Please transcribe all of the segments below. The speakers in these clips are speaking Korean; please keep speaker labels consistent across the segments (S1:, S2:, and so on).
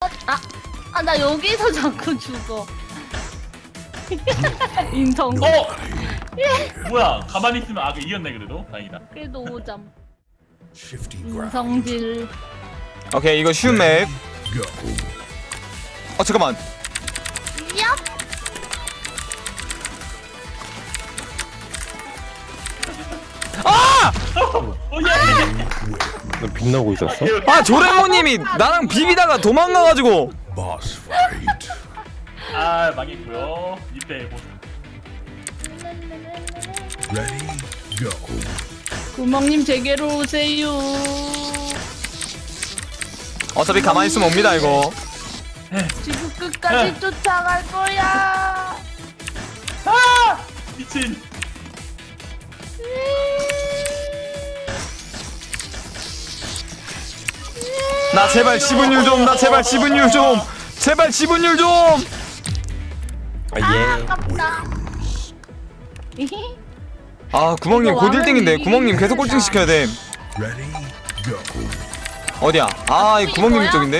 S1: 나 여기서 자꾸 죽어. 인성.
S2: 뭐야 가만히 있으면 이겼네 그래도 다행이다.
S1: 그래도 5점. 인성질.
S3: 오케이 이거 쉬운 맵. 잠깐만.
S1: 얍.
S4: 너 빛나고 있었어?
S3: 조레모님이 나랑 비비다가 도망가가지고.
S2: 망했고요. 이때 보스.
S1: 구멍님 제게로 오세요.
S3: 어차피 가만히 있으면 옵니다 이거.
S1: 지구 끝까지 쫓아갈 거야.
S2: 미친.
S3: 나 제발 지분율 좀. 나 제발 지분율 좀. 제발 지분율 좀.
S1: 아깝다.
S3: 구멍님
S1: 이거
S3: 곧
S1: 왕은
S3: 1등인데
S1: 이기긴
S3: 구멍님 계속 꼴등
S1: 힘들다.
S3: 시켜야 돼. 어디야? 이 구멍님
S1: 이거야?
S3: 쪽인데.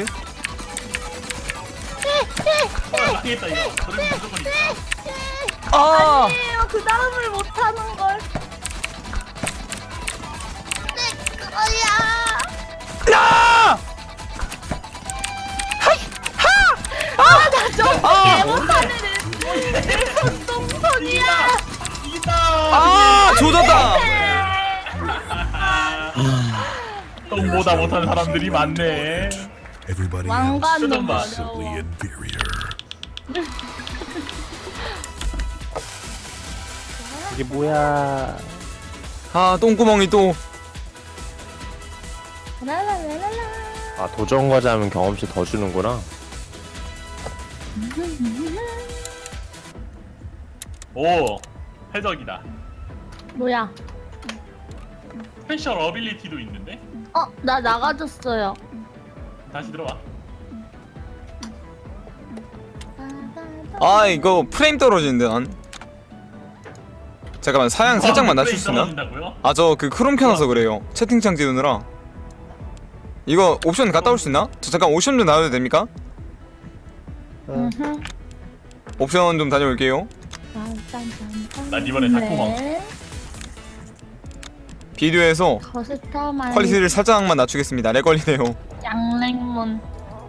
S2: 망했다 이거. 저런 무조건 있다.
S1: 아니에요. 그 다음을 못하는 걸. 내 거야.
S3: 야!
S1: 나 저거 못하는 내 손동선이야.
S2: 이겼다.
S3: 조졌다.
S2: 똥보다 못하는 사람들이 많네.
S1: 왕관도
S2: 뜯어봐.
S1: 어려워.
S4: 이게 뭐야?
S3: 똥구멍이 또.
S1: 랄랄랄랄라.
S4: 도전 과자 하면 경험치 더 주는구나.
S2: 오 해적이다.
S1: 뭐야?
S2: 스페셜 어빌리티도 있는데
S1: 나 나가줬어요.
S2: 다시 들어와.
S3: 이거 프레임 떨어지는데 난. 잠깐만 사양 살짝만 낮출 수 있나?
S2: 떨어진다고요?
S3: 저 그 크롬 켜놔서 그래요. 채팅창 지우느라. 이거 옵션 갔다 올 수 있나? 저 잠깐 옵션 좀 나와도 됩니까? 옵션 좀 다녀올게요.
S2: 난 이번에 닭구멍.
S1: 네.
S3: 비디오에서
S1: 커스터마이즈
S3: 퀄리티를 살짝만 낮추겠습니다. 렉 걸리네요.
S1: 양랭문.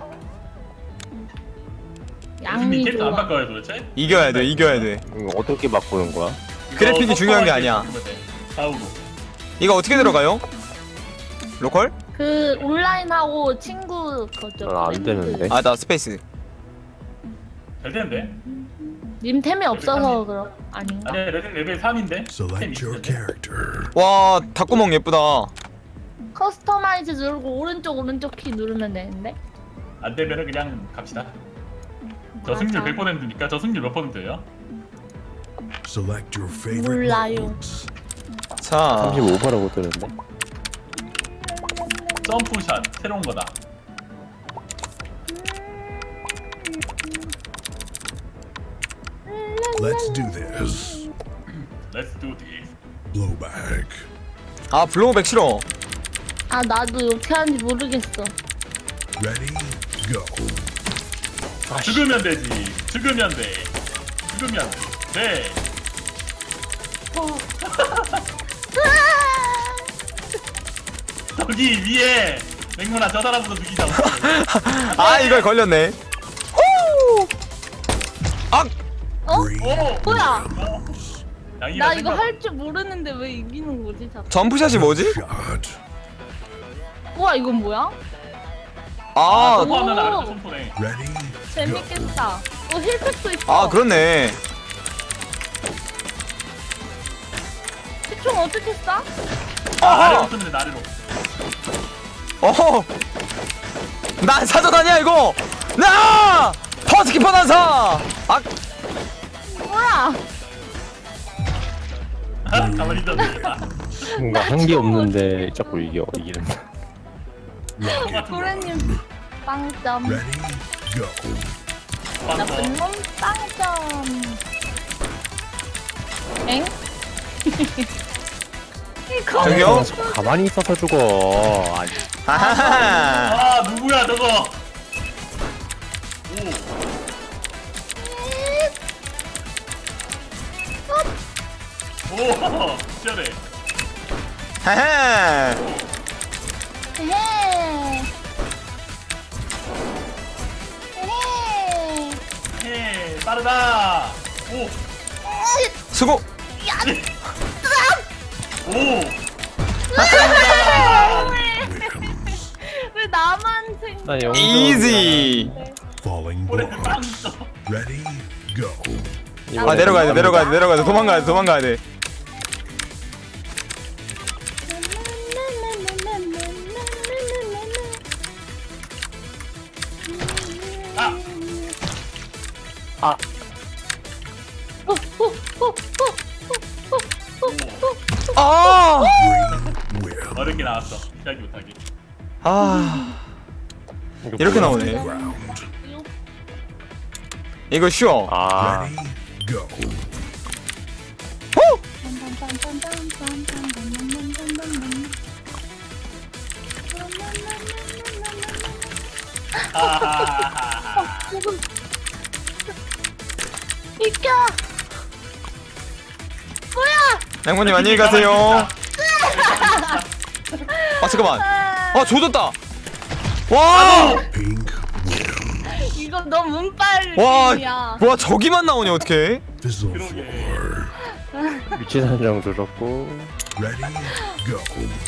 S2: 무슨
S1: 양이
S2: 캐릭터 안
S1: 좋아.
S2: 바꿔요 도대체?
S3: 이겨야 돼. 이겨야 돼.
S4: 이거 어떻게 바꾸는 거야?
S3: 그래픽이 중요한 게 아니야.
S2: 싸우고.
S3: 이거 어떻게 들어가요? 로컬?
S1: 그 온라인하고 친구 거죠.
S4: 안 되는데.
S3: 나 스페이스.
S2: 잘 되는데?
S1: 님 템이 없어서 그럼 아닌가?
S2: 아니 레벨 3인데?
S5: Select your character.
S3: 와 닭구멍 예쁘다.
S1: 커스터마이즈 누르고 오른쪽 키 누르면 되는데.
S2: 안 되면은 그냥 갑시다. 저 승률 100%니까 저 승률 몇 %예요?
S5: Select your favorite
S1: 몰라요.
S5: modes.
S3: 자
S4: 35%라고 뜨는데.
S2: 점프샷 새로운 거다.
S5: Let's do this.
S2: Let's do this.
S5: Blowback.
S3: 블로우백 싫어.
S1: 나도 어떻게 하는지 모르겠어.
S5: Ready, go.
S2: 죽으면 되지. 죽으면 돼. 죽으면 돼. 저기 위에 맹문아 저 사람부터 죽이자.
S3: 이걸 걸렸네. 후!
S1: 어?
S5: Breathe.
S1: 뭐야?
S2: 양이가
S1: 나 이거
S2: 생각-
S1: 할 줄 모르는데 왜 이기는 거지 자꾸?
S3: 점프샷이 뭐지?
S5: Shot.
S1: 우와 이건 뭐야?
S2: 점프하면
S1: 오.
S2: 아래로 점프네.
S5: Ready,
S1: 재밌겠다. 힐팩도 있어.
S3: 그렇네.
S1: 총 어떻게 쏴?
S2: 아래로 쓰면 돼 아래로.
S3: 난 사전 아니야 이거. 나 퍼스키퍼 난사.
S1: 뭐야?
S2: 가만히 있어도 되겠다.
S4: 뭔가 한 게 없는데 자꾸 이기는다.
S1: 도레님 빵점.
S5: ready, go.
S1: 나쁜 놈 빵점. 엥? 이거
S3: 저기요?
S4: 가만히 있어서 죽어. 아니,
S3: 하하하.
S2: 누구야 저거? 오, 시원해.
S3: 헤헤.
S1: 헤헤. 헤헤.
S2: 예, 빠르다. 오,
S3: 수고.
S2: 오.
S1: 왜 나만 생?
S4: 나 영웅.
S3: 이지.
S5: Falling
S2: 올해 빵
S5: blocks.
S2: 써.
S5: Ready, go.
S3: 아 내려가야 돼. 도망가야 돼.
S2: 아,
S3: 아.
S5: Green win.
S2: 어렵게 나왔어. 시작이 못하게.
S3: 아. 이렇게 나오네.
S5: Ground.
S3: 이거 쉬워.
S4: 아,
S5: Ready, go.
S2: 하하하하.
S1: 이겨. 뭐야?
S3: 양모님 안녕히 가세요. 아 잠깐만. 아 조졌다. 와.
S5: Pink win.
S1: 이거 너 문빨
S3: 와.
S1: 게임이야.
S3: 와 저기만 나오네 어떡해?
S5: Fizzle
S2: 그러게.
S5: floor.
S4: 위치 선정 조졌고.
S5: Ready, go.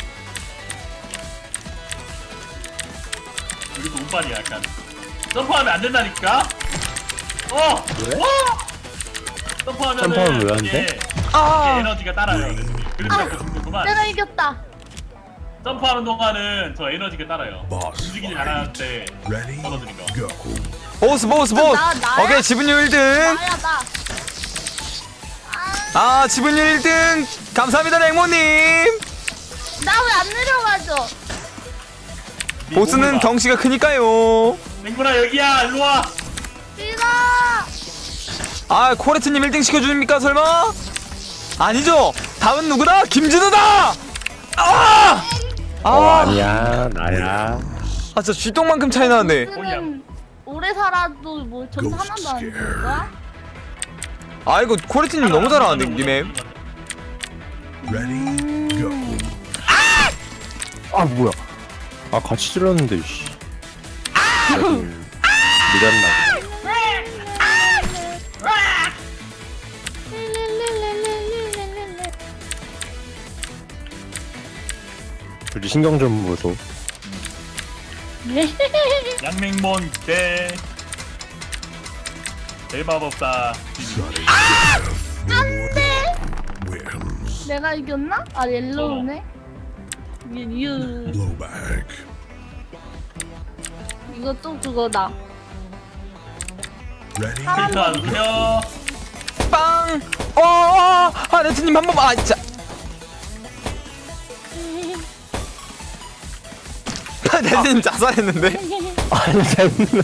S2: 여기도 운빨이야 약간. 점프하면 안 된다니까.
S4: 왜?
S2: 점프하면은
S4: 점프하면 왜안 돼?
S2: 이게
S3: 아.
S2: 에너지가 따라요. 그래서 죽는구만.
S1: 내가 이겼다.
S2: 점프하는 동안은 저 에너지가 따라요.
S5: Boss
S2: 움직이지 않을 때
S5: Ready,
S2: 떨어지는 거.
S5: go.
S3: 보스.
S1: 나야?
S3: 오케이 지분율 1등.
S1: 나야 나.
S3: 아 지분율 1등. 감사합니다 랭모님.
S1: 나 왜 안 내려가죠?
S3: 보스는 덩치가 크니까요.
S2: 맹구나 여기야 일로 와.
S1: 싫어.
S3: 아 코레트님 1등 시켜줍니까 설마? 아니죠. 다음은 누구다? 김진우다. 아.
S4: 아니야, 나야.
S3: 아 진짜 쥐똥만큼 차이 나는데.
S1: 보스는 오래 살아도 뭐 점수 하나도 안 주는 거야?
S3: 아 이거 코레트님 너무 잘하는데 님의.
S5: Ready, go.
S4: 아, 뭐야. 아, 같이 질렀는데, 씨. 미렸나. 우리 신경 좀 보소.
S2: 양맹몬 대 대마법사.
S5: Sudden death. No more wins.
S1: 내가 이겼나? 아 옐로우네. 유.
S5: Blowback.
S1: 이거 또 그거다.
S5: Ready,
S2: 필터 안 펴.
S3: 빵. 아 레트님 한 번만. 아 진짜. 레트님 자살했는데.
S4: 아니, 잘못.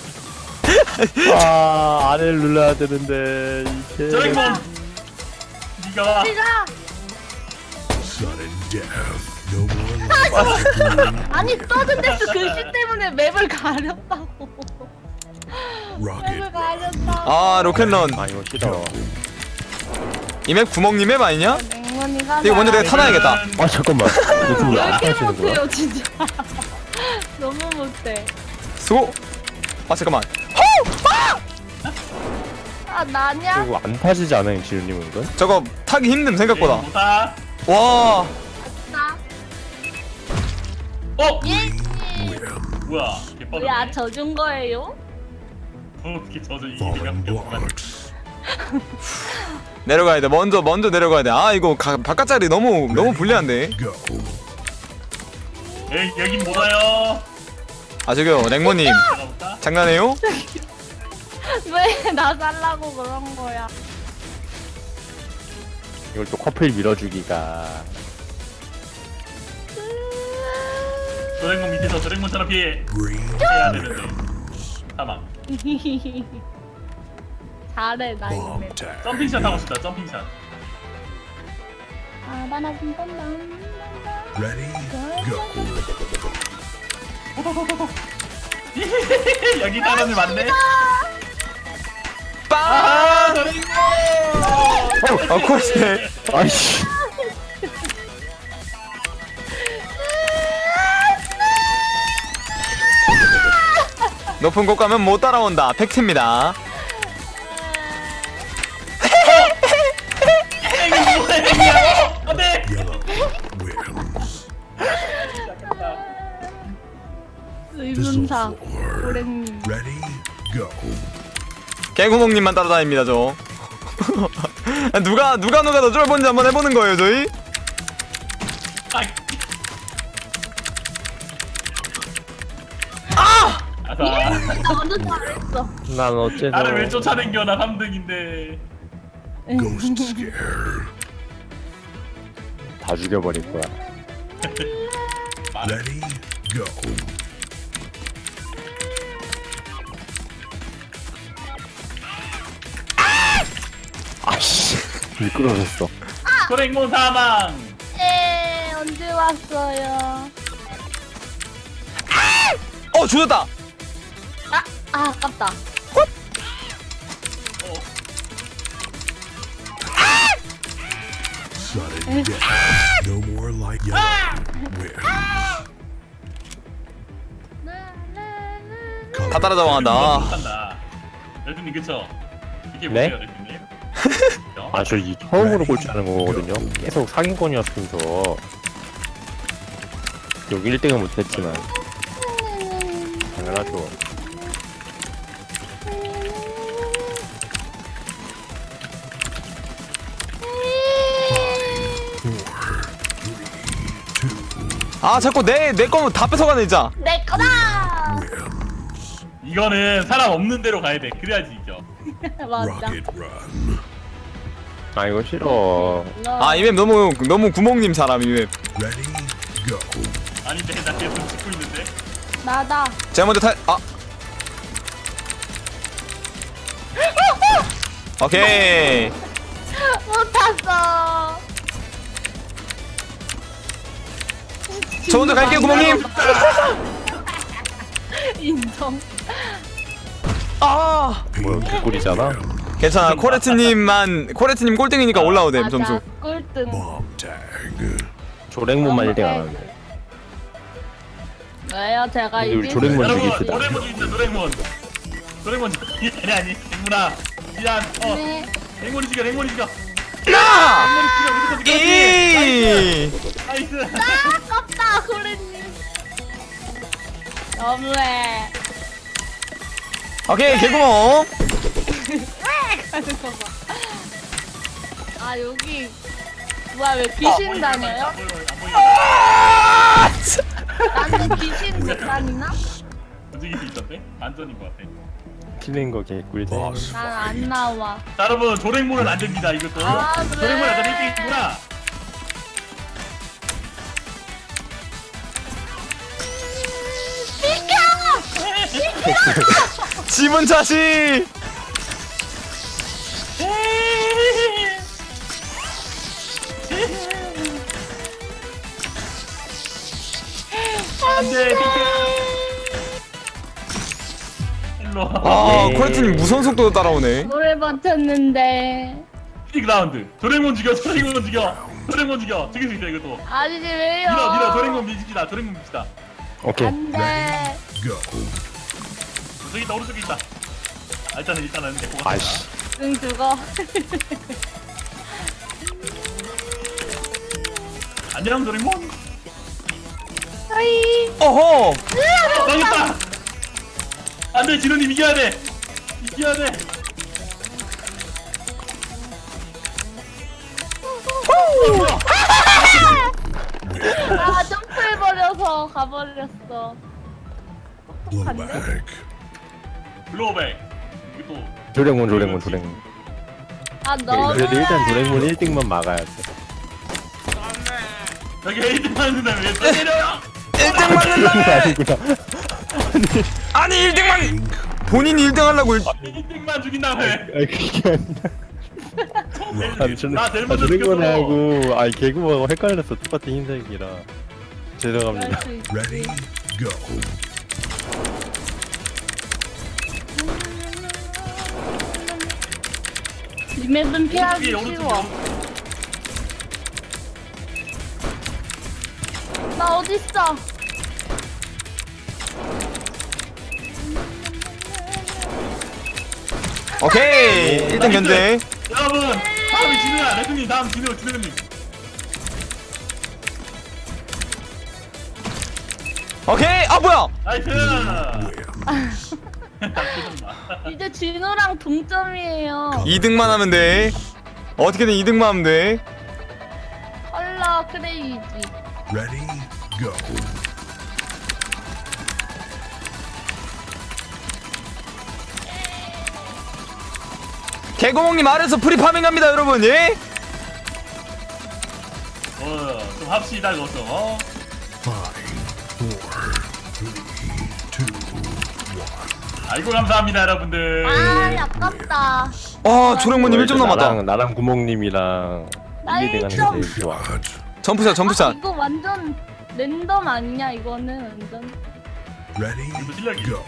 S4: 아, 아래를 눌러야 되는데, 이게.
S2: 저랭몬. 니가 와.
S1: 네가
S5: sudden death. No more life.
S1: 아니 서든데스 글씨 때문에 맵을 가렸다고.
S5: Rocket.
S1: 맵을 가렸다고.
S3: 아 로켓런.
S4: 아, 이거 싫어.
S3: 이 맵 구멍님 맵 아니냐?
S1: 맹원이가
S3: 이거 먼저 내가 타놔야겠다.
S4: 아, 잠깐만. 이거 좀
S1: 왜
S4: 안
S1: 이렇게
S4: 하시는 거야?
S1: 못해요 진짜. 너무 못해.
S3: 수고. 아 잠깐만.
S1: 아 나냐?
S4: 그리고 안 타지지 않아요, 지훈님은 이건?
S3: 저거 타기 힘듦 생각보다.
S2: 못하.
S3: 와.
S1: 나.
S2: 어?
S1: 예.
S2: 뭐야? 개빠르네.
S1: 뭐야 져준 거예요?
S2: 어떻게 져서 이게
S5: Falling
S2: 생각해?
S5: blocks.
S3: 내려가야 돼. 먼저 내려가야 돼. 아 이거 바깥자리 너무 불리한데.
S5: Go.
S2: 에이 여긴 못 와요.
S3: 아 저기요 랭모님
S2: 들어가볼까?
S3: 장난해요?
S1: 왜 나 살라고 그런 거야?
S4: 이걸 또 커플 밀어주기가.
S2: 저랭몬 밑에서 저랭몬처럼 피해.
S5: Green
S2: 해야 되는데. 사망.
S1: 잘해 나 이거.
S5: bomb tag.
S2: 점핑샷 하고 싶다. 점핑샷.
S1: 아 바나밤밤밤.
S5: Ready, go.
S2: 여기 사람이 많네.
S3: 빵!
S2: 도레이몬.
S3: 아 코레트
S4: 아이씨.
S3: 높은 곳 가면 못 따라온다 팩트입니다.
S2: 안돼.
S5: Yellow wins.
S1: 의문사
S5: Thistle floor.
S1: 고랭님.
S5: Ready, go.
S3: 개구멍님만 따라다닙니다 저. 누가 더 쫄본지 한번 해보는 거예요 저희.
S2: 아사.
S1: 나 완전 잘했어.
S4: 난 어째서
S2: 나를 왜 쫓아댕겨? 나 3등인데.
S5: Ghost scare.
S4: 다 죽여버릴 거야.
S5: Ready, go.
S4: 아씨. 미끄러졌어.
S2: 도레이몬 사망.
S1: 예, 언제 왔어요?
S3: 죽였다.
S1: 아깝다.
S5: Sudden death. No more like yellow wins.
S3: 다 따라잡아간다.
S2: 못한다. 레드님 그쵸? 이게
S4: 네?
S2: 뭐예요, 레드님?
S4: 아, 저 이 처음으로 꼴찌하는 거거든요. 계속 상위권이었으면서 여기 1등은 못했지만 당연하죠.
S3: 아 자꾸 내 거면 다 뺏어가네 진짜.
S1: 내 거다.
S2: 이거는 사람 없는 데로 가야 돼. 그래야지 이겨.
S1: 맞아.
S5: Rocket run.
S4: 아, 이거 싫어.
S3: 아 이 맵 너무 구멍님 사람 이 맵.
S5: Ready, go.
S2: 아닌데 나 계속 찍고 있는데.
S1: 나다.
S3: 제가 먼저 오케이.
S1: 못 탔어.
S3: 저 먼저 갈게요 구멍님.
S1: 인정.
S3: 아
S4: 뭐야, 개꿀이잖아.
S3: 괜찮아 코레트님 꼴등이니까 올라오됨 점수.
S1: 꿀등.
S5: Bomb tag.
S4: 조랭몬만 1등 안 하는데.
S1: 왜요? 제가
S4: 근데 우리
S1: 이길
S4: 조랭몬
S1: 수-
S2: 여러분
S4: 죽입시다.
S2: 도레몬 죽인다 도레몬. 도레몬 아니 댕문아. 미안.
S1: 네.
S2: 댕몬이 죽여 댕몬이 죽여.
S3: 나!
S2: 댕몬이 죽여 무조건 죽여.
S3: 이!
S2: 나이스.
S1: 아깝다 고래님. 너무해.
S3: 오케이 개구멍.
S1: 가는 거 봐. 아 여기 뭐야 왜 귀신 다녀요? 나는 귀신 못 다니나?
S2: 움직일 수 있던데? 안전인 것 같아.
S4: 튀는 거 개꿀.
S5: Boss
S1: 난 안
S5: fight.
S1: 나와.
S2: 자 여러분 조랭몬은 안 됩니다 이것도.
S1: 아, 그래?
S2: 조랭몬 약간 1등이구나.
S3: 지분 차시.
S2: 안돼 일로 와.
S3: 아
S4: 예.
S3: 코레트님 무선 속도로 따라오네.
S1: 노래 버텼는데.
S2: 픽 라운드. 조랭몬 죽여 조랭몬 죽여. 조랭몬 죽여. 죽일 수 있어 이것도.
S1: 아니지 왜요?
S2: 밀어 조랭몬 미집시다. 조랭몬 밉시다.
S4: 오케이.
S1: 안돼.
S5: Go.
S2: 저기 있다 오른쪽에 있다. 아, 일단은 데리고 가.
S4: 아이씨.
S1: 응 죽어.
S2: 안녕 조랭몬.
S1: 하이.
S3: 어허.
S2: 망했다. 안돼 진우님 이겨야 돼. 이겨야 돼.
S1: 아 점프해버려서 가버렸어.
S5: Blowback.
S2: 블로우백. 이거 또
S4: 조랭몬.
S1: 아 너무.
S4: 그래도 일단 조랭몬 1등만 막아야 돼.
S2: 여기 1등 맞는다면 왜 때려요?
S3: 1등 맞는다며.
S4: 아니구나.
S3: 아니 1등만 본인이 1등 하려고
S2: 1등만 죽인다며.
S4: 아니 그게 아니라. 아니 저는
S2: 나 제일 먼저
S4: 조랭몬하고 아니 개구멍하고 헷갈렸어. 똑같은 흰색이라. 죄송합니다.
S5: Ready, go.
S1: 이 맵은 피하기
S2: 오른쪽에,
S1: 쉬워. 나 어딨어?
S3: 오케이 1등 견제.
S2: 여러분 다음이 진우야. 레드님 다음 진우님.
S3: 오케이. 아 뭐야?
S2: 나이스.
S1: 이제 진우랑 동점이에요.
S3: 2등만 하면 돼. 어떻게든 2등만 하면 돼.
S1: 헐라 크레이지.
S5: Ready, go.
S3: 개구멍님 아래서 프리파밍 갑니다 여러분. 예?
S2: 좀 합시다 이것도.
S5: 5, 4, 3, 2, 1.
S2: 아이고 감사합니다 여러분들.
S1: 아 아깝다.
S3: 아 조령모님 1점 남았다.
S4: 나랑 구멍님이랑
S1: 나
S4: 1위
S1: 1점.
S4: 돼가는 게 제일 좋아.
S5: Roger.
S3: 점프샷
S1: 아,
S3: 점프샷.
S1: 이거 완전 랜덤 아니냐 이거는 완전.
S5: Ready,
S2: 실력이.
S5: go.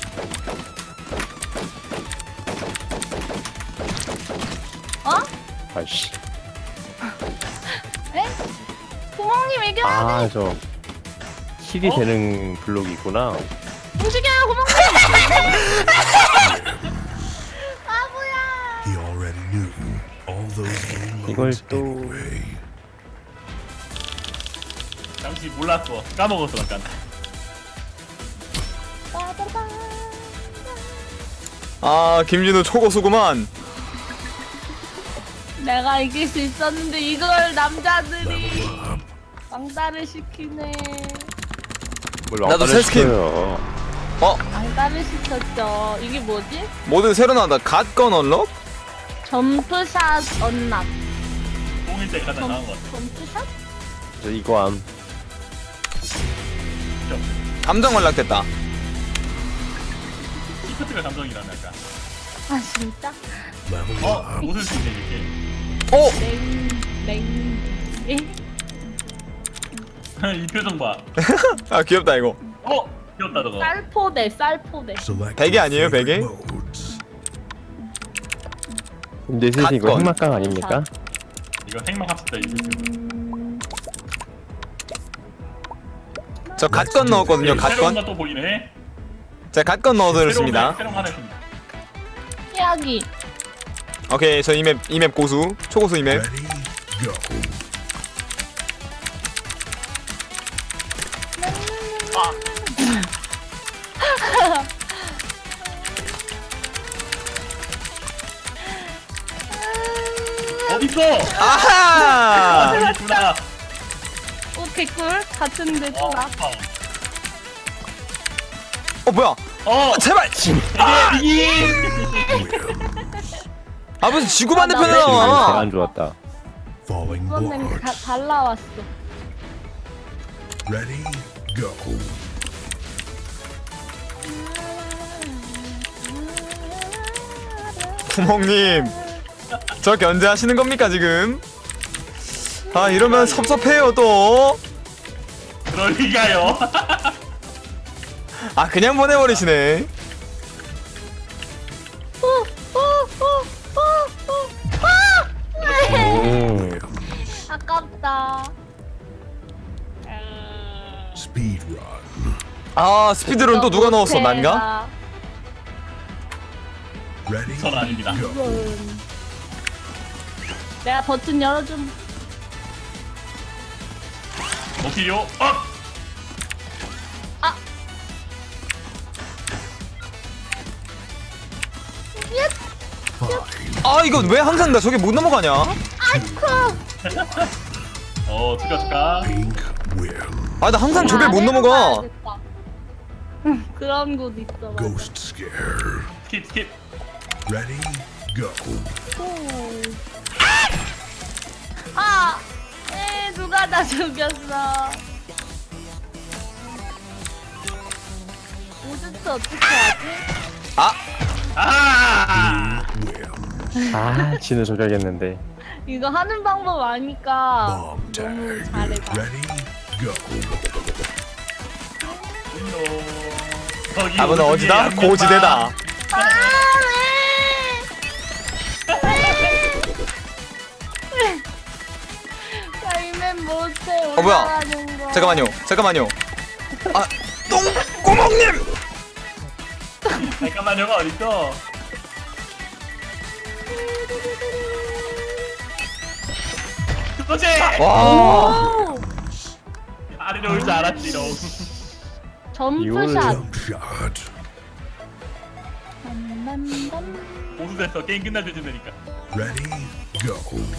S1: 어?
S4: 아이씨.
S1: 에? 구멍님 이겨야 돼.
S4: 아, 저 힐이 되는 블록이 있구나.
S1: 움직여요 구멍님. 바보야.
S5: He already knew all those game
S4: 이걸
S5: modes
S4: 또-
S5: anyway.
S2: 잠시 몰랐어. 까먹었어 잠깐.
S1: 빠바바.
S3: 아 김진우 초고수구만.
S1: 내가 이길 수 있었는데 이걸 남자들이 왕따를 시키네.
S3: 나도 새 스킨. 어?
S1: 왕따를 시켰죠. 이게 뭐지?
S3: 모두 새로 나왔다. 갓건 언럭?
S1: 점프샷 언락.
S2: 공일 때 가장 나은 것 같아.
S1: 점프샷?
S4: 저 이거 암.
S3: 감정 언락됐다.
S2: 시프트가 감정이라는 약간.
S1: 아 진짜?
S5: Level up.
S2: 웃을 수 있는 이렇게.
S3: 오!
S1: 예?
S2: 이 표정 봐.
S3: 아 귀엽다 이거.
S2: 귀엽다 저거.
S1: 쌀포대 쌀포대.
S5: Select
S3: 베개
S5: your
S3: 아니에요, 베개?
S5: favorite modes.
S4: 근데 사실 이거
S3: 갓건.
S4: 핵막강 아닙니까?
S2: 이거 생막합시다 이 표정.
S3: 저 갓건 넣었거든요.
S2: 새로운
S3: 갓건.
S2: 거또 보이네.
S3: 제가 갓건 넣어드렸습니다.
S2: 새로운 거 하나 있습니다.
S1: 피하기.
S3: 오케이 저 이맵 고수. 초고수 이맵.
S5: Ready, go.
S2: 어딨어?
S3: 아하!
S2: 여기 있구나.
S1: 오 개꿀 같은데 또 나.
S3: 어 뭐야? 제발!
S2: 이게
S3: 아 무슨 지구 반대편에
S1: 아, 나
S4: 제가
S3: 나와.
S4: 안 좋았다.
S5: Falling
S1: 이번엔
S5: blocks.
S1: 잘 나왔어.
S5: Ready, go.
S3: 구멍님 저 견제하시는 겁니까 지금? 아 이러면 섭섭해요 또.
S2: 그럴 리가요.
S3: 아 그냥 보내버리시네.
S1: 아깝다.
S5: Speed run.
S3: 아 스피드론 또 누가 넣었어? 난가?
S5: Ready,
S2: 전 아닙니다.
S5: go.
S1: 내가 버튼 열어줌.
S2: 오케이요.
S5: Five,
S3: 아 이거 왜 항상 나 저게 못 넘어가냐?
S2: 축하.
S5: pink win.
S3: 아 나 항상 저게 못 넘어가.
S1: 그런 곳 있어. 맞아.
S5: Ghost scare.
S2: 스킵.
S5: Ready, go.
S1: 아! 누가 나 죽였어. 오즈트 어떻게 하지?
S2: 아!
S5: Win.
S4: 아, 진우 저격했는데.
S1: 이거 하는 방법 아니까
S5: Bomb tag.
S1: 너무 잘해봐.
S5: Ready, go.
S3: 답은 어디다? 고지대다.
S1: 아, 왜?
S3: 뭐야? 잠깐만요. 아 똥구멍님.
S2: 잠깐만요가 어딨어? 그거지!
S3: 와.
S2: 아래로 올 줄 알았지롱.
S1: 점프샷.
S5: Jump shot.
S2: 보수됐어. 게임 끝날 때 되니까.
S5: Ready, go.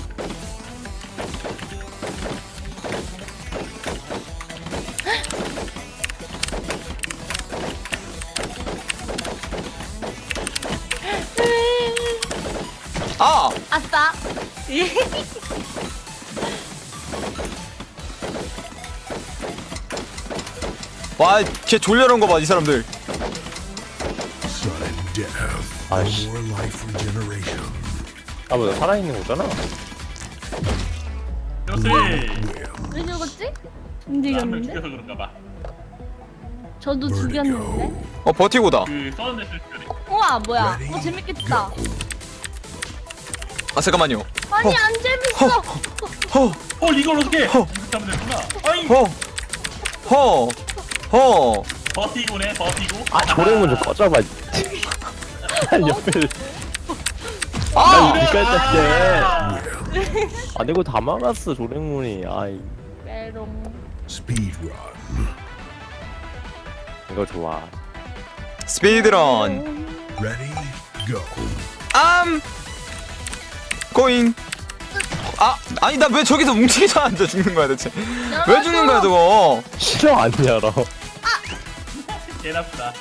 S3: 아.
S1: 아싸.
S3: 와, 걔 졸려놓은 거 봐, 이 사람들.
S5: Sudden death. No
S4: 아이씨.
S5: more life regeneration.
S4: 아 뭐야 살아있는 거잖아.
S2: 역시!
S1: 왜 죽었지?
S2: 한명
S1: 움직였는데?
S2: 죽여서 그런가 봐.
S1: 저도 죽였는데?
S3: 버티고다.
S2: 그 써는 했을 때.
S1: 우와 뭐야? 재밌겠다.
S3: 아 잠깐만요.
S1: 아니 안 재밌어.
S3: 허,
S2: 이걸 어떻게? 이렇게
S3: 허.
S2: 하면 되구나. 어이!
S3: 허.
S2: 버티고네, 버티고.
S4: 아 조랭문 좀 꺼져봐. 옆에
S3: 아.
S4: 비깔 때. 아 내가 다 막았어 조랭문이. 아이
S1: 메롱.
S5: Speed run.
S4: 이거 좋아.
S3: 스피드런.
S5: Ready, go.
S3: 고잉. 아니 나 왜 저기서 뭉치기도 앉아 죽는 거야 대체? 왜 죽는 거야 저거?
S4: 싫어 안 열어.
S2: 개 나쁘다.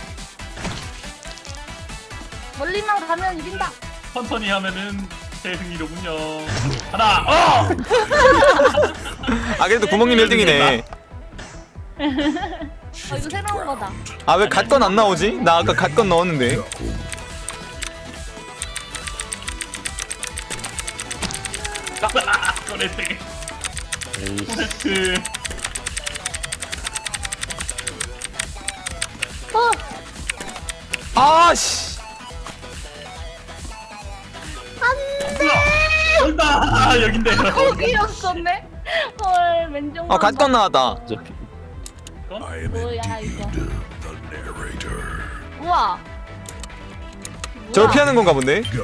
S1: 멀리만 가면 이긴다.
S2: 천천히 하면은 제 승리로군요. 하나,
S3: 아 그래도 구멍님 1등이네.
S1: 이거 새로운 거다.
S3: 아 왜 갓건 안 나오지? 나 아까 갓건 넣었는데.
S5: Go.
S2: 꺼냈대.
S4: 에이씨.
S2: 코네트.
S3: 아씨.
S2: 온다! 여긴데.
S1: 거기였었네. 헐 맨정.
S3: 갓건 나왔다.
S4: 어차피
S5: I am
S1: 뭐야,
S5: indeed
S1: 이거.
S5: the narrator.
S1: 우와.
S3: 저걸 피하는 건가 본데.
S5: Go.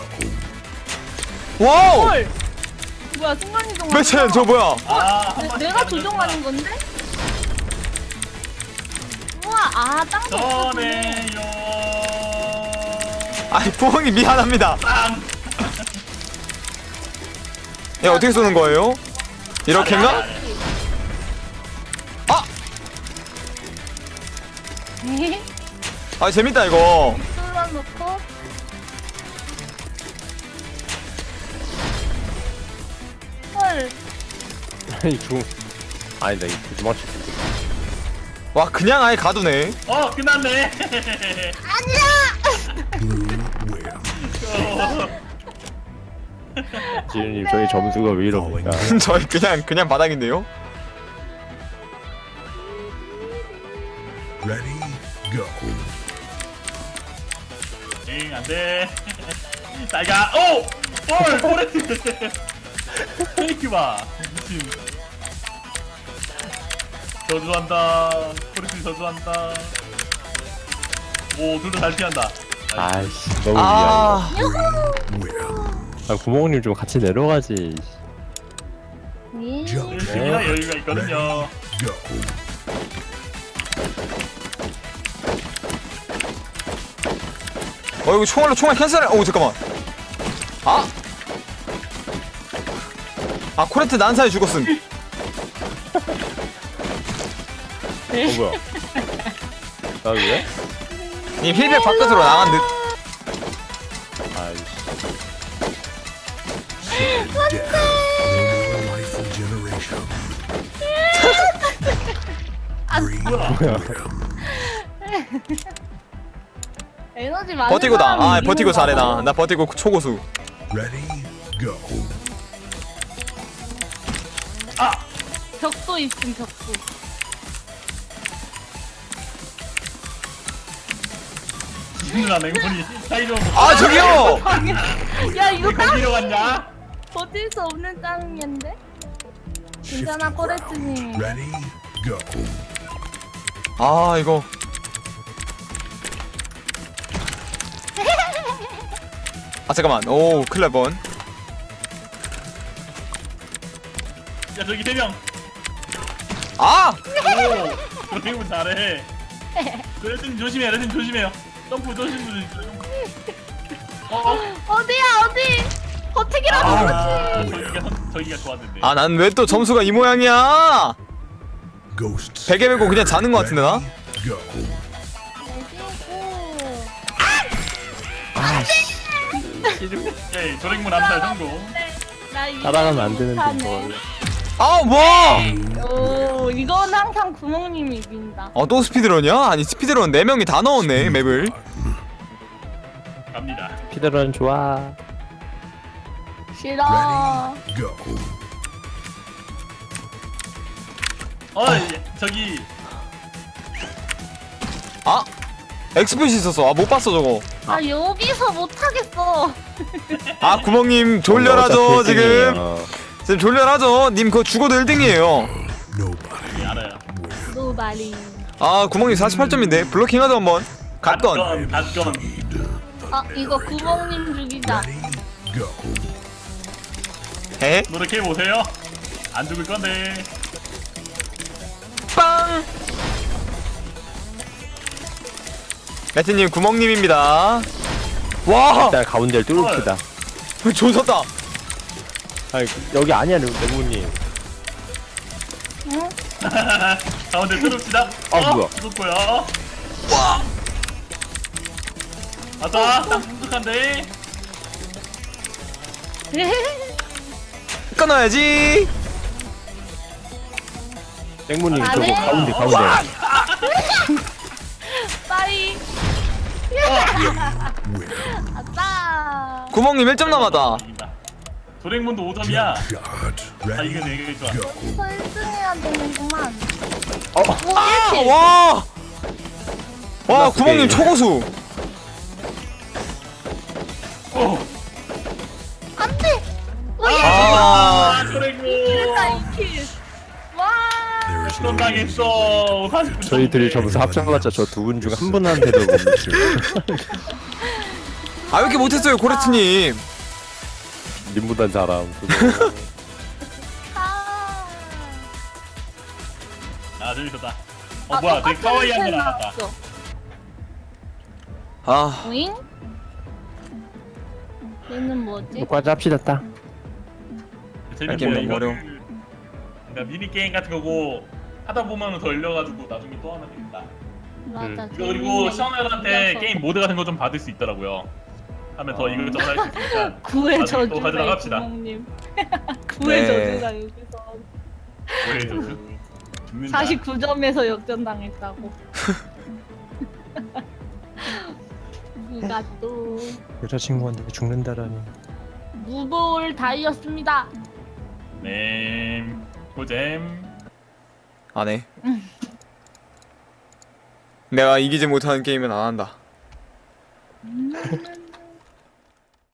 S3: 와우.
S1: 헐. 뭐야 순간 이동.
S3: 매첸 저 뭐야?
S1: 내가 조종하는 건데? 우와 땅도 없어지네.
S2: 전해요.
S3: 아니 부엉이 미안합니다.
S2: 빵!
S3: 야 어떻게 쏘는 거예요? 이렇게인가? 아 재밌다 이거.
S1: 뚫어놓고 헐.
S4: 아니 중. 아니다 이 도망칠 수 있어.
S3: 와 그냥 아예 가두네.
S2: 끝났네.
S5: Blue win.
S4: 지은님 저희 점수가 왜 이럽니까?
S3: 저희 그냥 바닥인데요.
S5: Ready, go.
S2: 응, 안 돼. 나가. 오! 볼! 포레트! 페이크 봐. 미친. 저주한다. 포레트 저주한다. 오, 둘 다 잘 피한다.
S4: 아이씨 너무
S3: 아.
S5: Win.
S4: 아 구멍님 좀 같이 내려가지.
S5: Jump
S2: 승리나
S5: shot.
S2: 여유가 있거든요.
S5: Go.
S3: 이거 총알 캔슬해. 오 잠깐만. 코레트 난사에 죽었음.
S4: 뭐야? 나 왜?
S3: 이 힐백 바깥으로 나간 듯.
S4: 아이씨.
S5: Death. No more life regeneration. Green win.
S1: 에너지 많은
S3: 버티고다.
S1: 사람이
S3: 버티고
S1: 이기는
S3: 잘해
S1: 거야.
S3: 나 버티고 초고수.
S5: Ready, go.
S1: 벽도 있음 벽도.
S2: 누나 맹문이 사이로.
S3: 저기요.
S1: 야 이거
S2: 왜 거기로 갔냐?
S1: 버틸 수 없는 짱인데? 괜찮아 꼬레트님.
S5: Ready, go.
S3: 아 이거 아 잠깐만 오 큰일 날뻔
S2: 야 저기 3명.
S3: 아!
S2: 오, 조랭문 잘해. 레진 조심해, 레진 조심해요. 점프 조심해.
S1: 어디야 어디? 버티기라도 그렇지.
S2: 저기가 좋았는데.
S3: 아 난 왜 또 점수가 이 모양이야
S5: Ghosts.
S3: 베개 메고 그냥 자는 거 같은데 나?
S5: Go.
S2: 오케이, 조랭문 암살 성공.
S1: 나 이거
S4: 따라가면 안 되는데
S1: 못하네.
S4: 저걸.
S3: 아 뭐!
S1: 오 이건 항상 구멍님이 이긴다.
S3: 또 스피드런이야? 아니 스피드런 4명이 다 넣었네 맵을
S2: 갑니다.
S4: 피드런 좋아.
S1: 싫어.
S5: Go.
S2: 저기
S3: 아! 엑스플릿이 있었어 아 못 봤어 저거
S1: 아 여기서 못하겠어.
S3: 아 구멍님 졸려라죠
S4: 어차피
S3: 지금
S4: 일등이에요.
S3: 지금 졸려라죠 님 그거 죽어도 1등이에요
S5: Nobody.
S2: 예, 알아요.
S1: 노바리.
S3: 아 구멍님 48점인데 블로킹 하자 한번 갓건
S2: 갓건.
S1: 아 이거 구멍님 죽이자.
S5: Ready, go.
S3: 에?
S2: 노력해 보세요. 안 죽을 건데.
S3: 빵! 매트님 구멍님입니다 와!
S4: 일단 가운데를 뚫읍시다.
S3: 조졌다
S4: 아니 여기 아니야 레몬님.
S1: 응?
S2: 가운데 뚫읍시다.
S4: 뭐야.
S2: 죽었고요. 아싸, 딱 묵직한데.
S3: 끊어야지
S4: 땡모님
S1: 안
S4: 저거
S1: 해.
S4: 가운데.
S1: 빠이. 아싸.
S3: 구멍님 1점 남았다
S2: 이긴다. 조랭문도 5점이야.
S5: God.
S2: 아
S5: Ready,
S2: 이거 좋아.
S5: go.
S1: 저 1등해야 되는구만.
S4: 어.
S1: 오
S3: 아,
S1: 1킬.
S3: 와! 와
S4: 끝났어,
S3: 구멍님
S4: 게임.
S3: 초고수
S2: 오.
S1: 안돼.
S3: 아
S2: 조랭문.
S1: 2킬. 와.
S5: There is
S2: 또
S5: no
S2: 당했어. 49점.
S4: 저희들이 점수 합쳐봤자 저 두 분 중 한 분한테도 못 미치고.
S3: 아 왜 이렇게 못했어요 고레트님
S4: 님보단 잘함. 그거.
S1: 아.
S2: 아 재밌었다. 뭐야, 되게 카와이한 거 나왔다.
S3: 아
S1: 오잉? 얘는 뭐지?
S4: 녹화자 합시다 따.
S2: 재밌는
S3: 게임
S2: 거야
S3: 너무
S2: 이거.
S3: 어려워.
S2: 그러니까 미니 게임 같은 거고 하다 보면 더 열려가지고 나중에 또 하면 되겠다.
S1: 맞아.
S2: 이거 그리고 시청자들한테 게임 모드 같은 거 좀 받을 수 있더라고요. 하면 더 이것저것 할 수 있으니까.
S1: 구의
S2: 나중에 또
S1: 저주가
S2: 가져나 갑시다.
S1: 구멍님. 구의
S3: 네.
S1: 저주가 여기서
S2: 왜 저주? 죽는다.
S1: 49점에서 역전당했다고. 누가 또
S4: 여자친구한테 죽는다라니.
S1: 무볼 다이였습니다.
S2: 네. 고잼.
S3: 안해 내가 이기지 못하는 게임은 안 한다
S1: 음.